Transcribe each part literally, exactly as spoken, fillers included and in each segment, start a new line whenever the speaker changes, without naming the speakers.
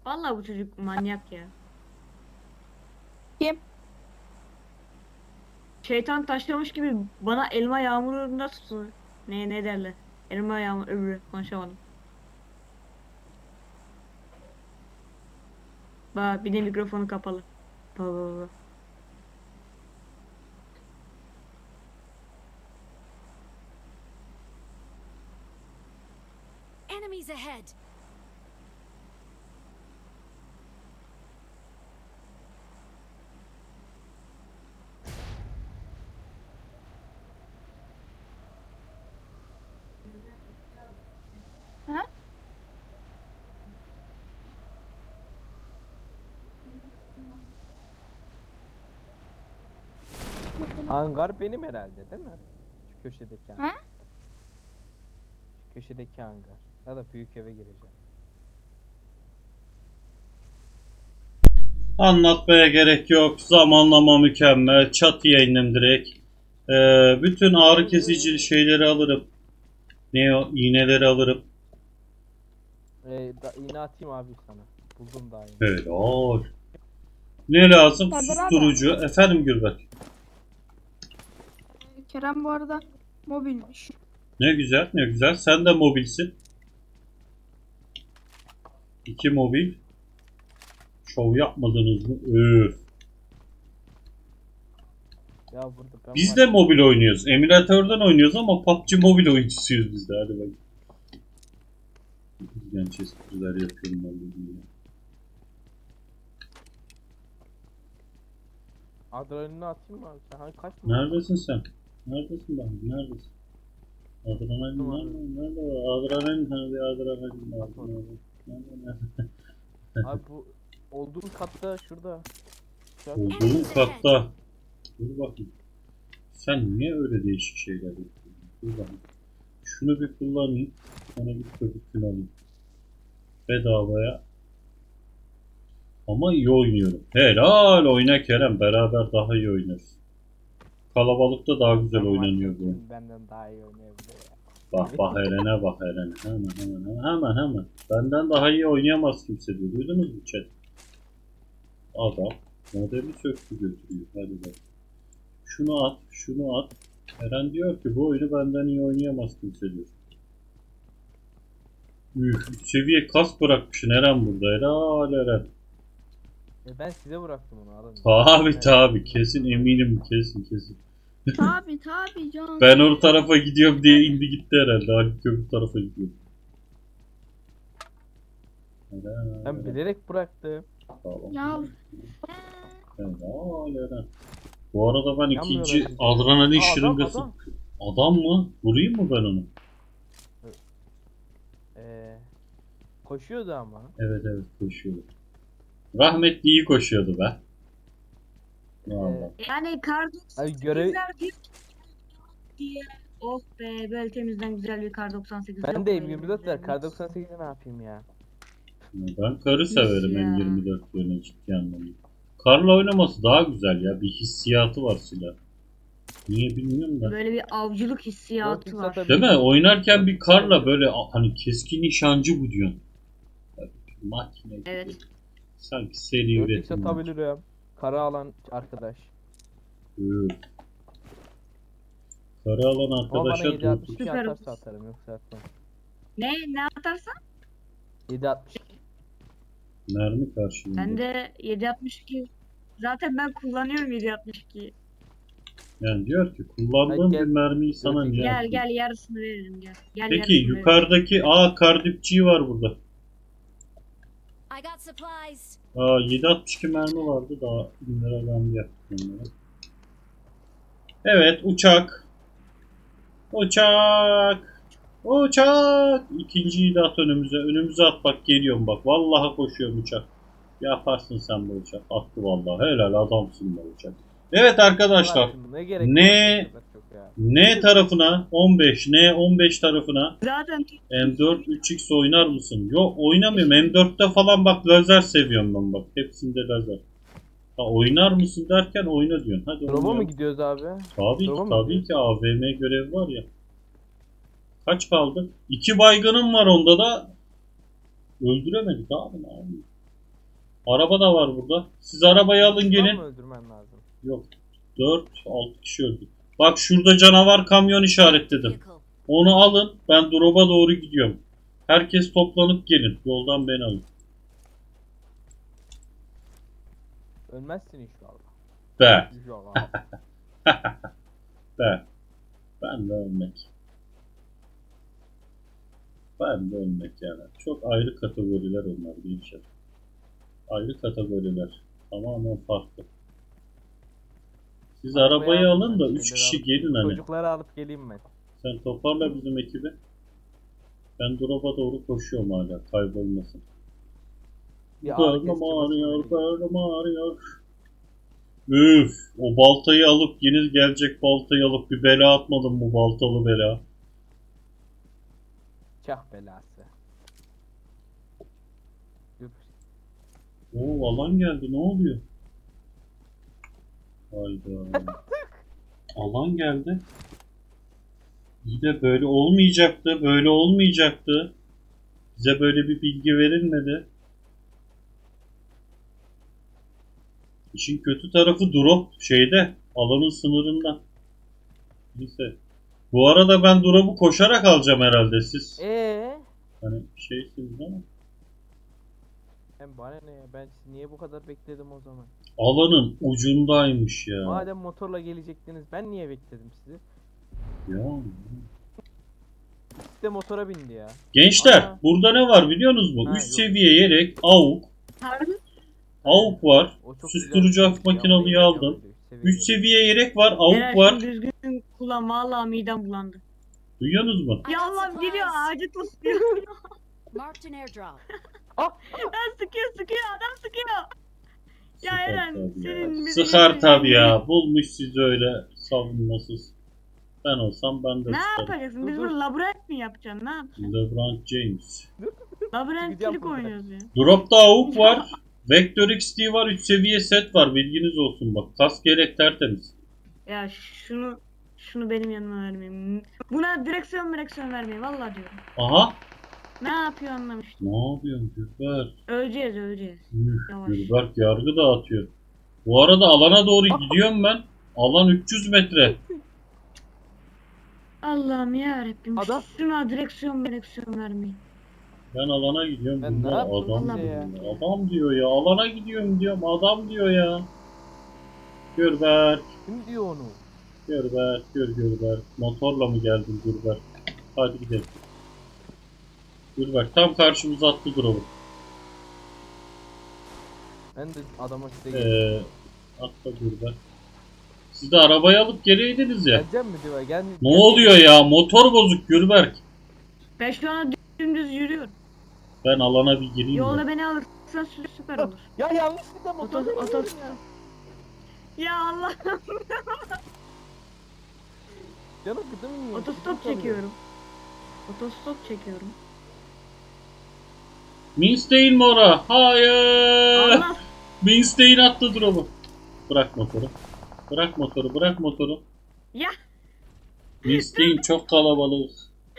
Vallahi bu çocuk manyak ya.
Kim?
Şeytan taşlamış gibi bana elma yağmurunda tutsun. Ne ne derler? Elma yağmur öbürü konuşamadım. Bak bir de mikrofonu kapalı. Bak bak bak.
Enemies ahead.
Ha?
Hangar benim herhalde değil mi? Şu köşedeki hangar.
Ha?
Şu köşedeki hangar. Ya da büyük eve gireceğim.
Anlatmaya gerek yok. Zamanlama mükemmel. Çatıya indim direkt. Ee, bütün ağrı kesici şeyleri alırım. Ne o? İğneleri alırım.
Ee, da, iğne atayım abi sana. Buldum daha iğne.
Helal. Ne lazım?
Kadir abi.
Susturucu. Efendim Gürbet.
Kerem bu arada mobilmiş.
Ne güzel, ne güzel. Sen de mobilsin. İki mobil. Şov yapmadınız mı? Öf.
Ya burada ben
Biz
var
de
ya-
mobil oynuyoruz. Emülatörden oynuyoruz ama P U B G mobil oyuncusuyuz biz de. Hadi bak. Genç espriler yapıyorum vallahi.
Adrenalini atayım mı abi? Sen hangi kaç mı?
Neredesin sen? Neredesin ben? Neredesin? Adrenalin
Tamam.
nerede? Nerede o? Adrenalin hani adrenalin lazım. Nerede? Nerede? Nerede?
Abi bu olduğum katta şurada. Şu an-
Olduğum katta. Dur bakayım. Sen niye öyle değişik şeyler yapıyorsun? Dur bakayım. Şunu bir kullanayım. Sonra bir köpüklü alayım. Bedavaya. Ama iyi oynuyorum. Helal oyna Kerem. Beraber daha iyi oynarız. Kalabalıkta daha güzel
Ben
oynanıyor
varken
bu.
kim benden daha iyi oynayabilir ya.
Bak bak Eren'e bak Eren'e. Hemen hemen hemen hemen hemen. Benden daha iyi oynayamaz kimse diyor. Duydunuz mu chat? Adam modemi söktü götürüyor. Hadi bak. Şunu at, şunu at. Eren diyor ki bu oyunu benden iyi oynayamaz kimse diyor. Üf, üst seviye kas bırakmışsın Eren burada. Helal Eren.
E ben size bıraktım onu alın.
Tabi
Evet.
tabi kesin eminim kesin kesin.
Tabi tabi can.
Ben o tarafa gidiyorum diye indi gitti herhalde. Halit öbür tarafa gidiyor. Eren,
Ben bilerek bıraktım.
Tamam.
Ya
Helal Eren. Bu arada ben
Yanmıyor
ikinci
öyle.
adrenalin
Aa, adam,
şırıngası.
adam.
Adam mı? Vurayım mı ben onu?
Ee, koşuyordu ama.
Evet evet koşuyordu. Rahmetli iyi koşuyordu be. Vallahi.
Yani kar
Abi görev
doksan sekiz diye. Oh be böyle temizden güzel bir kar doksan sekiz.
ben
yok
de
mu
M yirmi dört
elimizde?
var. Kar doksan sekizde ne yapayım ya?
Ben karı severim
ya.
M yirmi dört yerine ciddi anlamda. Karla oynaması daha güzel ya. Bir hissiyatı var silah. Niye bilmiyorum da.
Böyle bir avcılık hissiyatı
Dört
var.
x
Değil mi? Oynarken bir karla böyle a- hani keskin nişancı bu diyorsun. Tabii ki makine gibi.
Evet.
Sanki seri
dört x
üretim.
atabilirim. Kara alan arkadaş.
Evet. Kara alan
Ama bana
arkadaşa
yedi altmış iki
Süper.
atarsa atarım yoksa atmam.
Ne ne atarsan?
yedi altmış iki.
mermi karşılığında.
Ben de yedi altmış iki. Zaten ben kullanıyorum yedi altmış ikiyi.
Yani diyor ki kullandığım
Hadi gel.
bir mermiyi sana
Dört
niye
Gel
atayım?
gel yarısını veririm gel. Gel
Peki
yarısını veririm.
yukarıdaki aa kardipçi var burada.
I got supplies.
Aa yedi altmış iki mermi vardı daha bin lira ben yaptım onları. Evet uçak. Uçak. Uçak. İkinciyi de at önümüze. Önümüze at bak geliyorum bak. Vallahi koşuyorum uçak. Yaparsın sen bu uçak. Attı vallahi. Helal adamsın bu uçak. Evet arkadaşlar.
Var şimdi, Ne gerek
Ne-
var bu kadar çok ya?
N tarafına on beş, N on beş tarafına
Zaten
M dört üç x oynar mısın? Yok oynamıyorum. M dörtte falan bak lazer seviyorum ben bak. Hepsinde lazer. Ha, oynar mısın derken oyna diyorsun. Hadi
Drop'a mı
oynayalım.
gidiyoruz abi?
Tabii ki
Drop'a mı
tabii
gidiyoruz?
ki A V M görevi var ya. Kaç kaldı? İki baygınım var onda da. Öldüremedik abi ne yapayım? Araba da var burada. Siz arabayı alın
Var
gelin.
mı öldürmem lazım?
Yok. dört altı kişi öldü. Bak şurada canavar kamyon işaretledim.
Vehicle.
Onu alın. Ben drop'a doğru gidiyorum. Herkes toplanıp gelin. Yoldan beni alın.
Ölmezsin inşallah.
Be.
İnşallah.
Be. Ben de ölmek. Ben de ölmek yani. Çok ayrı kategoriler onlar gençler. Ayrı kategoriler. Tamamen farklı. Siz arabayı
aldım
alın
ben,
da üç
şeyleri
kişi
alıp-
gelin hani.
Çocukları alıp geleyim ben.
Sen toparla bizim ekibi. Ben drop'a doğru koşuyorum hala. Kaybolmasın.
Bir ağrı
Karnım
kesici
ağrıyor,
basın vereyim.
karnım ağrıyor. Üf, o baltayı alıp yeni gelecek baltayı alıp bir bela atmadım bu baltalı bela.
Çah belası. Üf.
Oo alan geldi ne oluyor? Hayda. Alan geldi. İyi de böyle olmayacaktı, böyle olmayacaktı. Bize böyle bir bilgi verilmedi. İşin kötü tarafı drop şeyde, alanın sınırında. Neyse. Bu arada ben drop'u koşarak alacağım herhalde siz.
Eee?
Hani şeysiniz ama.
Hem bana ne ya? Ben sizi niye bu kadar bekledim o zaman?
Alanın ucundaymış ya.
Madem motorla gelecektiniz ben niye bekledim sizi?
Ya.
İkisi de motora bindi ya.
Gençler
Aa.
burada ne var biliyorsunuz mu?
Ha,
üç
yok.
seviye yelek, AUK,
Harbi.
AUK var.
O çok
Susturucu
güzel bir
hafif
şey.
makinalıyı
Ama
aldım.
öyle
üç
seviye.
seviye yelek var,
Beyler
AUK var.
şunu düzgün kullan. Valla midem bulandı.
Duyuyorsunuz mu?
I
Ya
got
Allah geliyor
supplies.
ağacı tosluyor.
Marked an airdrop.
Lan sıkıyor sıkıyor adam sıkıyor. Ya
Sıkar
Eren
tabii ya.
senin bizim
Sıkar
için-
tabii ya. Bulmuş sizi öyle savunmasız. Ben olsam ben de
Ne
sıkarım.
yapacaksın? Biz
Dur, dur.
burada labirent mi yapacaksın? Ne yapacaksın?
LeBron James.
Labirentçilik
Gideceğim buradan.
oynuyoruz ya.
Drop'ta AUK var. Vector X T var. üç seviye set var. Bilginiz olsun bak. Kask gerek tertemiz.
Ya şunu şunu benim yanıma vermeyin. Buna direksiyon direksiyon vermeyin. Vallahi diyorum.
Aha.
Ne yapıyor anlamıştım.
Ne yapıyorsun Gülber?
Öleceğiz öleceğiz.
Üf,
Yavaş.
Gülberk yargı dağıtıyor. Bu arada alana doğru gidiyorum ben. Alan üç yüz metre.
Allah'ım ya Rabbim.
Adam-
Şuna direksiyon direksiyon vermeyin.
Ben alana gidiyorum.
Ben ne
Gülber,
yaptım
adam,
size
diyor
ya?
ya. Adam diyor ya. Alana gidiyorum diyorum. Adam diyor ya. Gülberk.
Kim diyor onu?
Gülberk. Gör Gülberk. Motorla mı geldin Gülberk? Hadi gidelim. Gülberk tam karşımıza attı drop'u.
Ben de adama size geleceğim.
Ee, atla Gülberk. Siz de arabayı alıp geleydiniz ya.
Geleceğim mi diyor? Gel,
Ne oluyor ya? Motor bozuk Gülberk.
Ben şu an dümdüz yürüyorum.
Ben alana bir gireyim
Yolda
de.
beni alırsan sü- süper olur.
Ya yanlışlıkla motor
Otos- otos-
ya.
Ya Allah.
Canım gıdım yiyor.
Otostop çekiyorum. Otostop çekiyorum.
Minstein mi ora? Hayır.
Allah.
Minstein attı drop'u. Bırak motoru. Bırak motoru. Bırak motoru.
Ya.
Minstein çok kalabalık.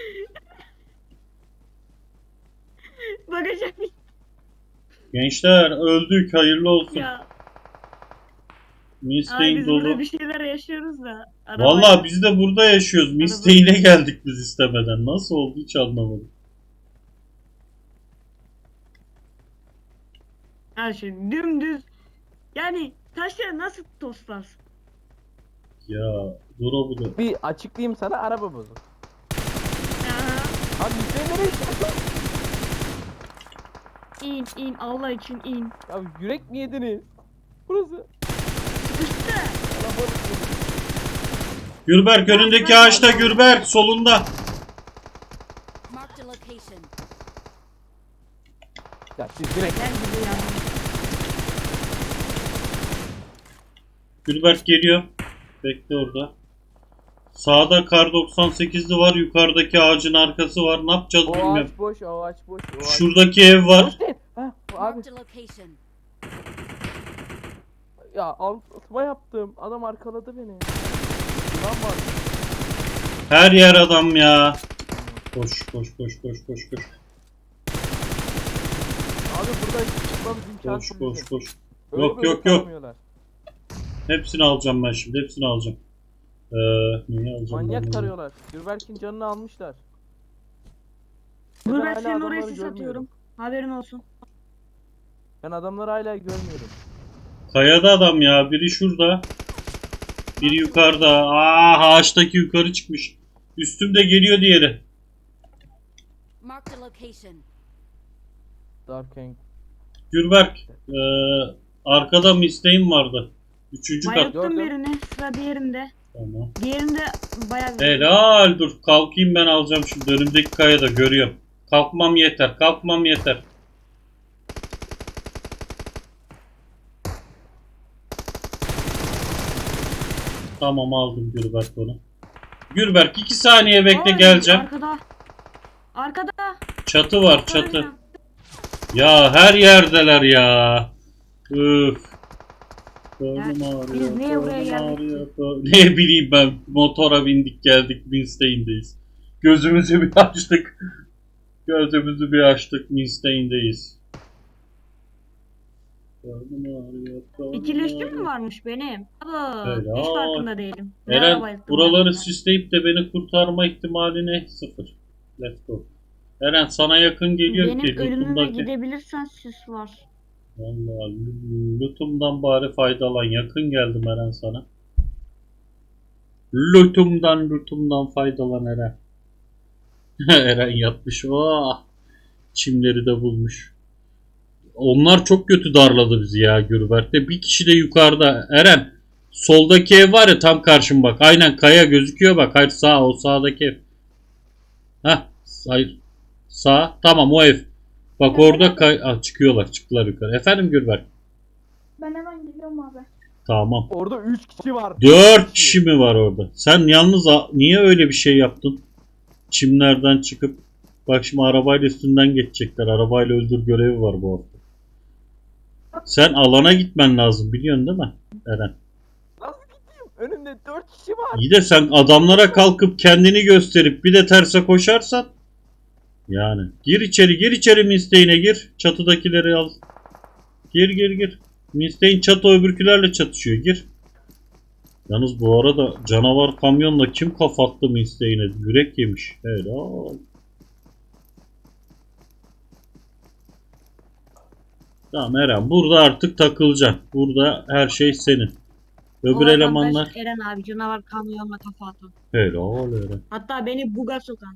Bakacağım.
Gençler öldük. Hayırlı olsun.
Ya. Abi
Minstein
biz burada
dolu.
bir şeyler yaşıyoruz da. Araba-
Vallahi biz de burada yaşıyoruz. Minstein'e geldik biz istemeden. Nasıl oldu hiç anlamadım.
Her şey dümdüz. Yani taşları nasıl toslarsın?
Ya drop'u da.
Bir açıklayayım sana, araba bozuk.
Aha.
Abi Hüseyin nereye gidiyorsun?
İn in Allah için in.
Ya yürek mi yediniz? Burası.
İşte.
Kalabalık burası.
Gürberk önündeki ağaçta Gürberk solunda.
Marked a location.
Ya siz direkt
Gel bize ya.
Gürberk geliyor. Bekle orada. Sağda kar doksan sekizli var. Yukarıdaki ağacın arkası var. Ne yapacağız
o
bilmiyorum.
ağaç boş, o ağaç boş, o ağaç.
Şuradaki ev var.
Boş değil. Ha, bu abi.
Marked a location.
Ya altıma yaptım. Adam arkaladı beni. Lan var.
Her yer adam ya. Koş koş koş koş koş koş.
Abi burada Almamız imkansız.
Koş koş
bizim.
koş.
Öyle
Yok,
böyle
yok, yok.
taramıyorlar.
Hepsini alacağım ben şimdi. Hepsini alacağım. Ee, neyi alacağım ben
Manyak
bunu?
tarıyorlar. Gürberk'in canını almışlar.
Dur
Ben
ben
hala
senin oraya
adamları
sis
görmüyorum.
atıyorum. Haberin olsun.
Ben adamları hala görmüyorum.
Kayada adam ya. Biri şurada. Biri yukarıda. Aa, ağaçtaki yukarı çıkmış. Üstümde geliyor diğeri.
Marked a location.
Dark Eng.
Gürberk. Ee, arkada mı isteğim vardı? Üçüncü kat.
Bayılttım
Gördüm.
birini. Sıra diğerinde.
Tamam.
Diğerinde bayağı bir...
Helal, dur kalkayım ben alacağım şimdi önümdeki kayada görüyorum. Kalkmam yeter, kalkmam yeter. Tamam, aldım Gürberk onu. Gürberk iki saniye bekle,
Ay,
geleceğim.
Arkada. Arkada.
Çatı var, çatı. Ya her yerdeler ya. Üf. Karnım
Ya,
ağrıyor,
biz niye buraya
karnım
geldik
ağrıyor, karnım- Ne bileyim ben, motora bindik geldik, Winstein'deyiz. Gözümüzü bir açtık. Gözümüzü bir açtık, Winstein'deyiz. Karnım ağrıyor, karnım
İkileşti
ağrıyor.
mi varmış benim? Aba,
Helal.
hiç farkında değilim. Ne ara
Eren,
bayılttım
buraları
ben ya?
süsleyip de beni kurtarma ihtimaline sıfır. Let's go. Eren, sana yakın geliyor
Benim
ki
ölümüme
lootumdaki.
gidebilirsen süs var.
Vallahi l- lootumdan bari faydalan. Yakın geldim Eren sana. Lootumdan lootumdan faydalan Eren. Eren yatmış. Oh! Çimleri de bulmuş. Onlar çok kötü darladı bizi ya Gürberk'te. Bir kişi de yukarıda. Eren, soldaki ev var ya, tam karşım bak. Aynen kaya gözüküyor bak. Hayır, sağ, o sağdaki ev. Heh, hayır. Sağ. Tamam, o ev. Bak orada kay ah, çıkıyorlar. Çıktılar yukarı. Efendim Gürberk.
Ben hemen geliyorum abi.
Tamam.
Orada üç kişi var.
Dört kişi mi var orada? Sen yalnız a- niye öyle bir şey yaptın? Çimlerden çıkıp bak şimdi arabayla üstünden geçecekler. Arabayla öldür görevi var bu hafta. Sen alana gitmen lazım, biliyorsun değil mi Eren?
Nasıl gideyim? Önümde dört kişi var.
İyi de sen adamlara kalkıp kendini gösterip bir de terse koşarsan yani. Gir içeri, gir içeri, Misteğine gir. Çatıdakileri al. Gir gir gir. Misteğin çatı öbürkülerle çatışıyor, gir. Yalnız bu arada canavar kamyonla kim kafa attı Misteğine? Yürek yemiş. Helal. Tamam Eren, burada artık takılacaksın. Burada her şey senin.
O
Öbür
adam
elemanlar
ben Eren abi canavar kamyonla kafa atan.
helal Eren.
Hatta beni buga sokan.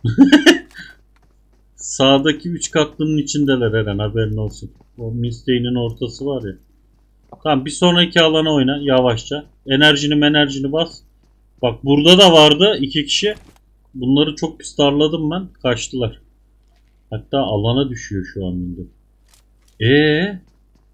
Sağdaki üç katlının içindeler Eren, haberin olsun. O Misteğinin ortası var ya. Tamam, bir sonraki alana oyna yavaşça. Enerjini enerjini bas. Bak burada da vardı iki kişi. Bunları çok pis darladım ben. Kaçtılar. Hatta alana düşüyor şu an millet. Eee?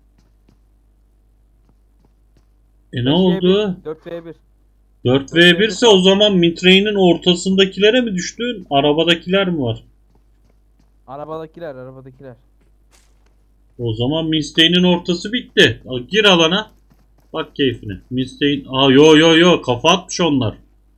E ne oldu?
dört ve bir.
dört ve bir ise o zaman Mitrey'nin ortasındakilere mi düştün? Arabadakiler mi var?
Arabadakiler, arabadakiler.
O zaman Misteğinin ortası bitti. Al, gir alana. Bak keyfine. Misteğin... Aa yo yo yo, kafa atmış onlar.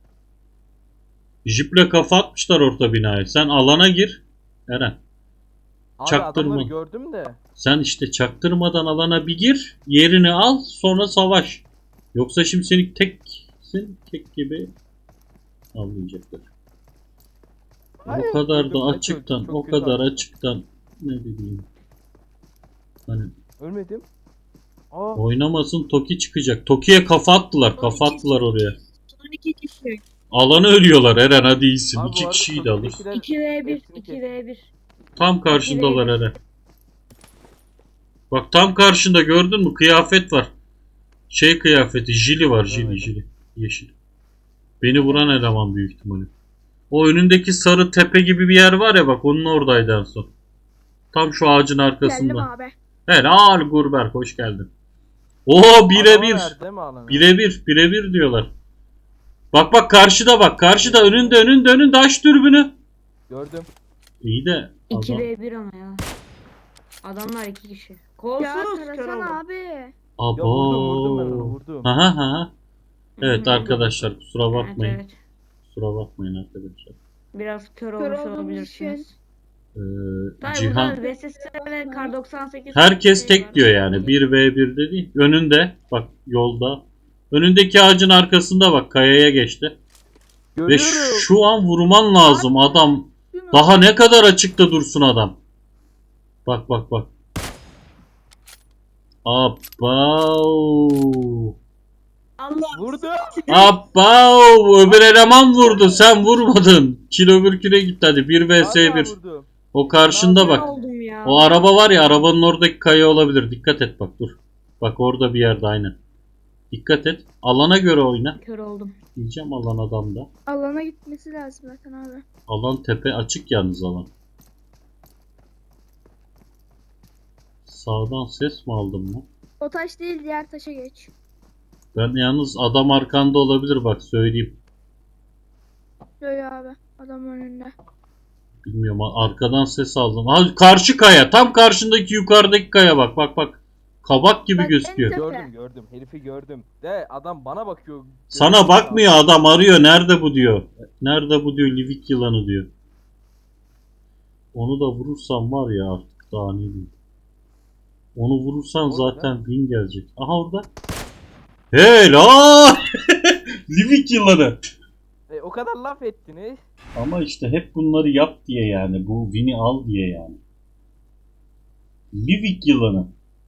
Jiple kafa atmışlar orta binaya. Sen alana gir. Eren.
Abi
Çaktırma.
adamları gördüm de.
Sen işte çaktırmadan alana bir gir. Yerini al, sonra savaş. Yoksa şimdi seni teksin. Tek gibi avlayacaklar.
Hayır,
O kadar
öldüm,
da
çok-
açıktan,
çok
o
kötü
kadar
attım.
açıktan ne bileyim. Hani
Ölmedim. Aa,
oynamasın, Toki çıkacak. Toki'ye kafa attılar, kafa attılar oraya.
Son iki kişi.
Alanı ölüyorlar Eren, hadi iyisin.
abi bu
İki
arada
kişiyi de alır.
Toki'dekiler
iki ve bir.
hepsini
iki
kes-
ve bir.
Tam karşındalar Eren. Bak tam karşında, gördün mü? Kıyafet var. Şey kıyafeti, jili var, jili
Evet.
jili. Yeşil. Beni vuran eleman büyük ihtimalle. O önündeki sarı tepe gibi bir yer var ya, bak onun oradaydı en son. Tam şu ağacın
Geldim
arkasında.
abi.
Helal Gurberk, hoş geldin. Oo,
Adama
birebir.
verdi mi alanı?
Birebir, birebir diyorlar. Bak bak karşıda, bak karşıda, önünde önünde önünde, aç dürbünü.
Gördüm.
İyi de
iki
adam.
ve bir ama ya. Adamlar iki kişi.
Ya
Kolsuz kör
tarasana
oldu.
abi.
Ya vurdum vurdum ben onu
Abo.
vurdum.
Aha aha. Evet
Hı hı.
arkadaşlar, kusura
Evet,
bakmayın.
evet.
Kusura bakmayın arkadaşlar.
Biraz kör
Kör
olmuş
olduğumuz
olabilirsiniz.
için.
Ee,
Tabii
Cihan.
burada V S S ve Kar doksan sekiz
Herkes
şey
tek
var.
diyor yani. bir ve bir de değil. Önünde. Bak yolda. Önündeki ağacın arkasında bak. Kayaya geçti. Ve
Görüyorum.
şu an vurman lazım adam. Daha ne kadar açıkta dursun adam. Bak bak bak. Abav.
Allah.
Vurdu.
Abav. Öbür eleman vurdu. Sen vurmadın. Kilo öbür küre gitti hadi. bir vs
Hala
bir.
vurdum.
O karşında
Ben
bak.
oldum ya.
O araba var ya, arabanın oradaki kaya olabilir. Dikkat et bak dur. Bak orada bir yerde aynen. Dikkat et. Alana göre oyna.
Kör oldum.
Diyeceğim alan adamda.
Alana gitmesi lazım zaten abi.
Alan tepe açık yalnız alan. Sağdan ses mi aldım mı?
O taş değil diğer taşa geç.
Ben yalnız adam arkanda olabilir bak söyleyeyim.
Böyle abi. Adam önünde.
Bilmiyorum arkadan ses aldım. Ha, karşı kaya tam karşındaki yukarıdaki kaya bak bak bak. Kabak gibi
Bak, en
gözüküyor.
tepe.
Gördüm gördüm. Herifi gördüm. De adam bana bakıyor.
Sana
Görüyorum
bakmıyor adam arıyor. Nerede bu diyor. Nerede bu diyor Livik yılanı diyor. Onu da vurursam var ya artık daha ne diyeyim. Onu vurursan
Orada.
zaten win gelecek. Aha orada. Helal. Livik yılanı.
E, o kadar laf ettiniz.
Ama işte hep bunları yap diye yani. Bu win'i al diye yani. Livik yılanı.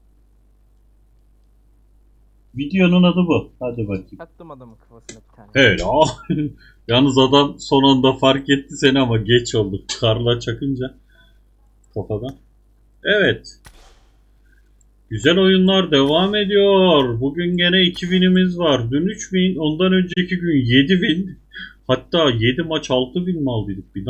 Videonun adı bu. Hadi bakayım.
Attım adamın kafasına bir tane.
Helal. Yalnız adam son anda fark etti seni ama geç oldu. Karla çakınca kafadan. Evet. Güzel oyunlar devam ediyor. Bugün gene iki win'imiz var. Dün üç win, ondan önceki gün yedi win. Hatta yedi maç altı win mi aldıydık? Bir